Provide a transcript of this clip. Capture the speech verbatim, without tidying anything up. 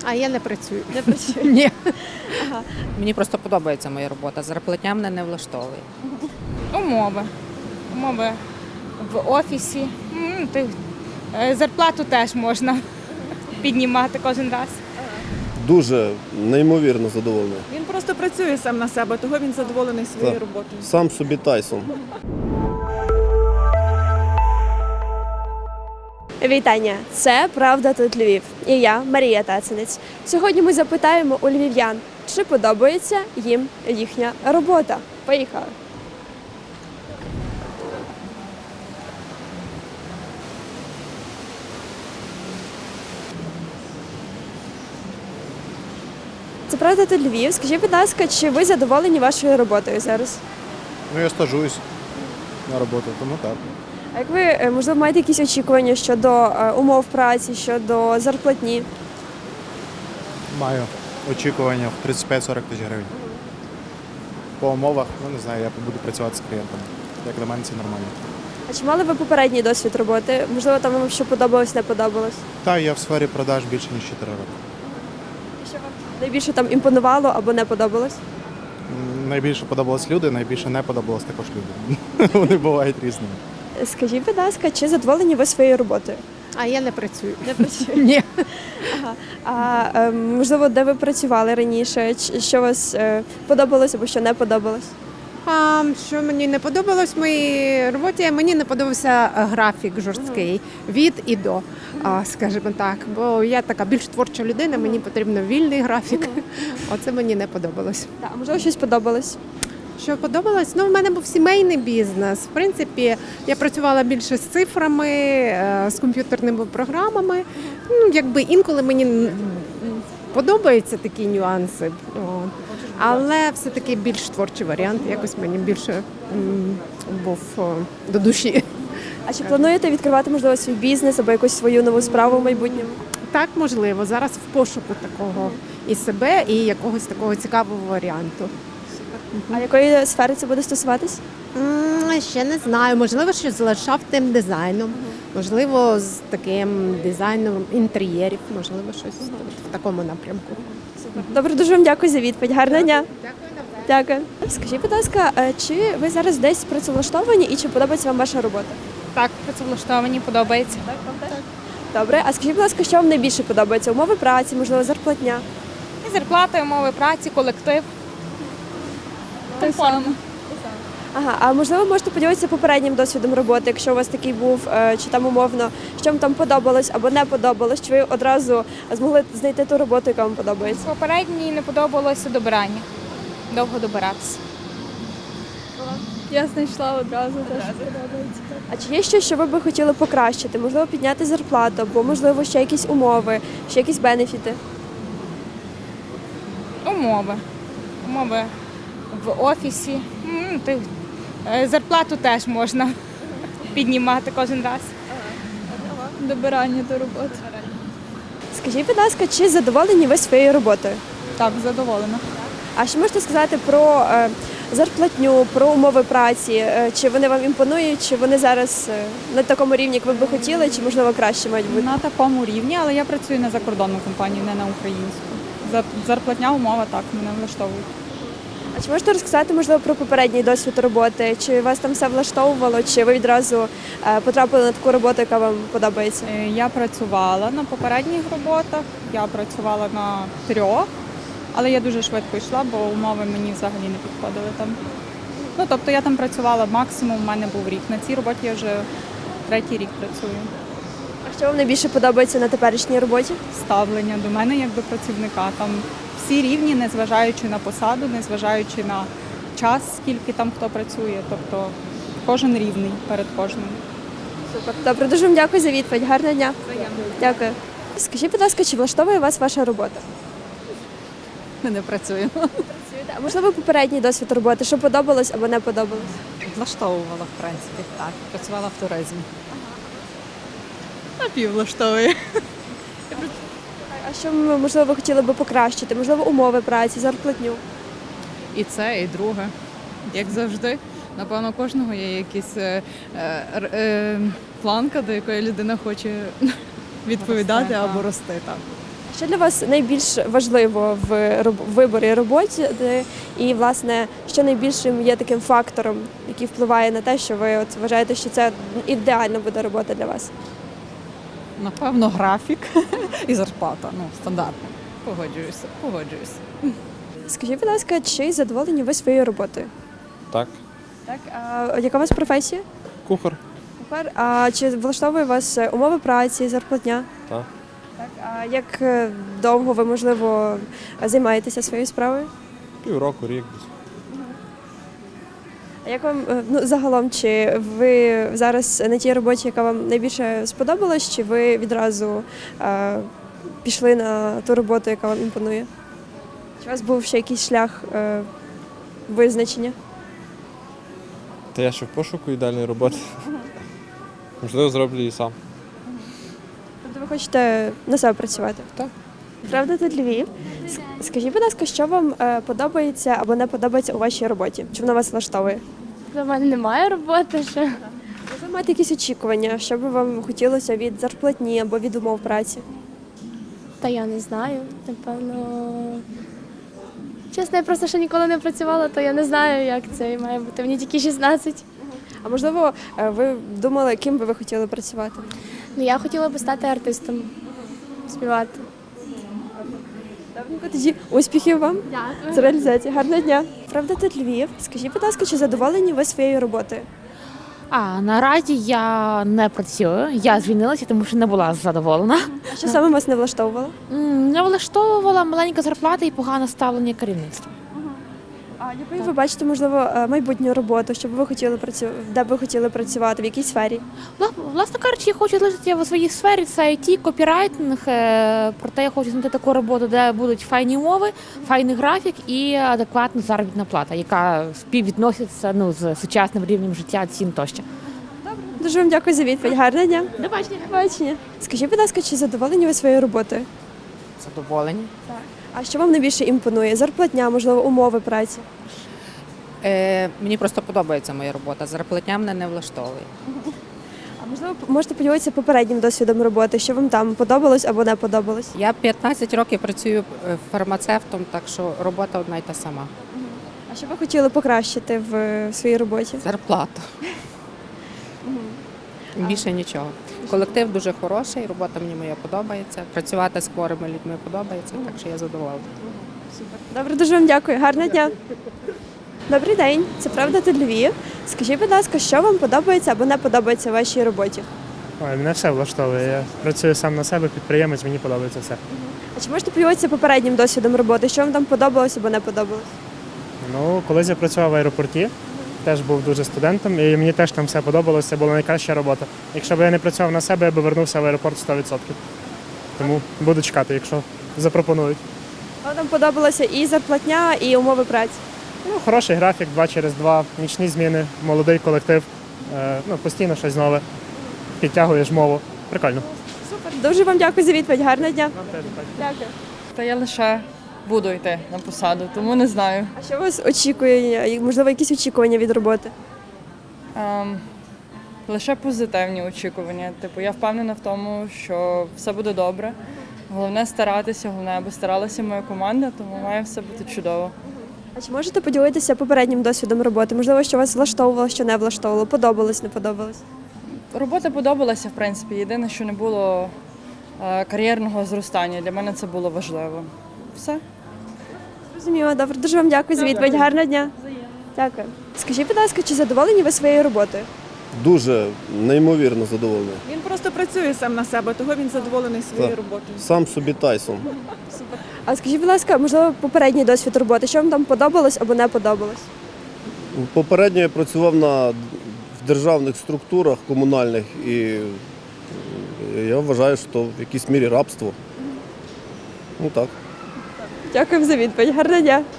А я не працюю. Не працює? Ні. Ага. Мені просто подобається моя робота. Зарплатня мене не влаштовує. Умови. Умови в офісі. М, ти- е, Зарплату теж можна піднімати кожен раз. Дуже неймовірно задоволений. Він просто працює сам на себе, того він задоволений своєю Так. роботою. Сам собі Тайсон. Вітання! Це «Правда тут Львів» і я, Марія Тацинець. Сьогодні ми запитаємо у львів'ян, чи подобається їм їхня робота. Поїхали! Це «Правда тут Львів». Скажіть, будь ласка, чи ви задоволені вашою роботою зараз? Ну, я стажуюсь на роботу, тому так. А як ви, е, можливо, маєте якісь очікування щодо е, умов праці, щодо зарплатні? Маю очікування в тридцять п'ять сорок тисяч гривень. По умовах, ну не знаю, я буду працювати з клієнтами. Як для мене це нормально. А чи мали ви попередній досвід роботи? Можливо, там вам що подобалось, не подобалось? Та я в сфері продаж більше ніж чотири роки. Що вам найбільше там імпонувало або не подобалось? М, Найбільше подобались люди, найбільше не подобалось також люди. Вони бувають різними. Скажіть, будь ласка, чи задоволені ви своєю роботою? А я не працюю. Не працюю. Ні. Ага. А е, можливо, де ви працювали раніше? Ч- Що вас е, подобалось або що не подобалось? А, що мені не подобалось в моїй роботі? Мені не подобався е, графік жорсткий від і до, а, скажімо так. Бо я така більш творча людина, мені потрібен вільний графік. Оце мені не подобалось. Так, а можливо, щось подобалось? Що подобалось? Ну, в мене був сімейний бізнес. В принципі, я працювала більше з цифрами, е, з комп'ютерними програмами. Ну, якби інколи мені м, подобаються такі нюанси. От. Але все-таки більш творчий варіант, якось мені більше м, був о, до душі. А чи плануєте відкривати, можливо, свій бізнес або якусь свою нову справу в майбутньому? Так, можливо, зараз в пошуку такого і себе, і якогось такого цікавого варіанту. А якої сфери це буде стосуватись? М, Ще не знаю. Можливо, що з ландшафтним дизайном, можливо, з таким дизайном інтер'єрів, можливо, щось в такому напрямку. Добре, дуже вам дякую за відповідь. Гарного дня. Дякую. Дякую. Скажіть, будь ласка, е, чи ви зараз десь працевлаштовані і чи подобається вам ваша робота? Так, працевлаштовані, подобається. Добре, а скажіть, будь ласка, що вам найбільше подобається? Умови праці, можливо, зарплатня? І зарплата, умови праці, колектив. Комфортно. Ага, а можливо, можете поділитися попереднім досвідом роботи, якщо у вас такий був, е, чи там умовно, що вам там подобалось або не подобалось, чи ви одразу змогли знайти ту роботу, яка вам подобається? Попередній не подобалося добирання. Довго добиратися. Я знайшла одразу, теж подобається. А чи є щось, що ви би хотіли покращити? Можливо, підняти зарплату, або можливо ще якісь умови, ще якісь бенефіти? Умови. Умови в офісі. М, ти- е, Зарплату теж можна піднімати кожен раз. Добирання до роботи. Скажіть, будь ласка, чи задоволені ви своєю роботою? Так, задоволена. А що можете сказати про е, зарплатню, про умови праці? Е, чи вони вам імпонують, чи вони зараз е, на такому рівні, як ви би хотіли, чи можливо краще мають бути? На такому рівні, але я працюю на закордонну компанію, не на українську. За- Зарплатня умова так мене влаштовує. А чи можете розказати, можливо, про попередній досвід роботи? Чи вас там все влаштовувало, чи ви відразу е, потрапили на таку роботу, яка вам подобається? Е, Я працювала на попередніх роботах, я працювала на трьох, але я дуже швидко йшла, бо умови мені взагалі не підходили там. Ну, тобто я там працювала максимум, у мене був рік. На цій роботі я вже третій рік працюю. А що вам найбільше подобається на теперішній роботі? Ставлення до мене як до працівника. Там всі рівні, незважаючи на посаду, незважаючи на час, скільки там хто працює. Тобто кожен рівний перед кожним. Супер. Добре, дуже вам дякую за відповідь. Гарного дня. Дякую. Скажіть, будь ласка, чи влаштовує вас ваша робота? Ми не працюємо. Працюєте? А можливо, попередній досвід роботи, що подобалось або не подобалось? Влаштовувала, в принципі, так. Працювала в туризмі. Напіввлаштовує. А що, можливо, ви хотіли би покращити? Можливо, умови праці, зарплатню? І це, і друге. Як завжди. Напевно, у кожного є якась е, е, е, планка, до якої людина хоче відповідати Росте, або так. рости. Так. Що для вас найбільш важливо в роб- виборі роботи і, власне, що найбільшим є таким фактором, який впливає на те, що ви от вважаєте, що це ідеальна буде робота для вас? Напевно, графік і зарплата. Ну, стандартно. Погоджуюся, погоджуюся. Скажіть, будь ласка, чи задоволені ви своєю роботою? Так. Так, а яка у вас професія? Кухар. Кухар. А чи влаштовує вас е, умови праці, зарплатня? Так. Так. А як е, довго ви, можливо, займаєтеся своєю справою? Півроку, рік. А як вам е, ну, загалом, чи ви зараз на тій роботі, яка вам найбільше сподобалась, чи ви відразу е, пішли на ту роботу, яка вам імпонує? Чи у вас був ще якийсь шлях е, визначення? Та я ще в пошуку ідеальної роботи. Можливо, зроблю її сам. Тобто ви хочете на себе працювати? Так. Правда, тут Львів. С- Скажіть, будь ласка, що вам е, подобається або не подобається у вашій роботі? Чи вона вас влаштовує? До мене немає роботи ще. Ви маєте якісь очікування, що би вам хотілося від зарплатні або від умов праці? Та я не знаю. Напевно. Чесно, я просто ще ніколи не працювала, то я не знаю, як це має бути. Мені тільки шістнадцять. А можливо, е, ви думали, ким би ви хотіли працювати? Ну я хотіла би стати артистом, співати. Добренько, тоді успіхів вам з реалізації. Гарного дня. Правда, тут Львів. Скажіть, будь ласка, чи задоволені ви своєю роботою? А наразі я не працюю. Я звільнилася, тому що не була задоволена. А що саме вас не влаштовувало? М, Не влаштовувала маленька зарплата і погане ставлення керівництва. А якою ви бачите, можливо, е, майбутню роботу, що б ви хотіли працювати, де б ви хотіли працювати, в якій сфері? Вла- Власне кажучи, я хочу залишитися в своїй сфері, це ай ті, копірайтинг. е, Проте я хочу знайти таку роботу, де будуть файні умови, файний графік і адекватна заробітна плата, яка співвідноситься ну, з сучасним рівнем життя, цін тощо. Дуже вам дякую за відповідь. Гарного дня. До бачення. До побачення. Скажіть, будь ласка, чи задоволені ви своєю роботою? Задоволені. А що вам найбільше імпонує? Зарплатня, можливо, умови праці? Е, мені просто подобається моя робота. Зарплатня мене не влаштовує. А можливо, можете поділитися попереднім досвідом роботи, що вам там подобалось або не подобалось? Я п'ятнадцять років працюю е, фармацевтом, так що робота одна й та сама. А що ви хотіли покращити в е, своїй роботі? Зарплата. Більше нічого. Колектив дуже хороший, робота мені моя подобається. Працювати з хворими людьми подобається, так що я задоволена. Добре, дуже вам дякую. Гарного дня. Добрий день, це правда тут Львів. Скажіть, будь ласка, що вам подобається або не подобається в вашій роботі? Ой, мене все влаштовує. Я працюю сам на себе, підприємець, мені подобається все. А чи можете поділитися попереднім досвідом роботи? Що вам там подобалось або не подобалось? Ну, колись я працював в аеропорті, теж був дуже студентом, і мені теж там все подобалося, це була найкраща робота. Якщо б я не працював на себе, я б вернувся в аеропорт сто відсотків. Тому буду чекати, якщо запропонують. Вам там подобалося і зарплатня, і умови праці? Ну, хороший графік, два через два, нічні зміни, молодий колектив, е, ну, постійно щось нове, підтягуєш мову. Прикольно. Супер, дуже вам дякую за відповідь. Гарного дня. Дякую. Та я лише буду йти на посаду, тому не знаю. А що вас очікує? І, можливо, якісь очікування від роботи? Ем, лише позитивні очікування. Типу, я впевнена в тому, що все буде добре. Головне старатися, головне, аби старалася моя команда, тому має все бути чудово. А чи можете поділитися попереднім досвідом роботи? Можливо, що вас влаштовувало, що не влаштовувало, подобалось, не подобалось? Робота подобалася, в принципі. Єдине, що не було е, кар'єрного зростання. Для мене це було важливо. Все. Розуміло, добре. Дуже вам дякую за відповідь. Гарного дня. Дякую. Скажіть, будь ласка, чи задоволені ви своєю роботою? Дуже неймовірно задоволений. Він просто працює сам на себе, того він задоволений своєю Так. роботою. Сам собі Тайсон. А скажіть, будь ласка, можливо, попередній досвід роботи, що вам там подобалось або не подобалось? Попередньо я працював на, в державних структурах комунальних і я вважаю, що в якійсь мірі рабство. Ну так. Дякую за відповідь. Гарного дня.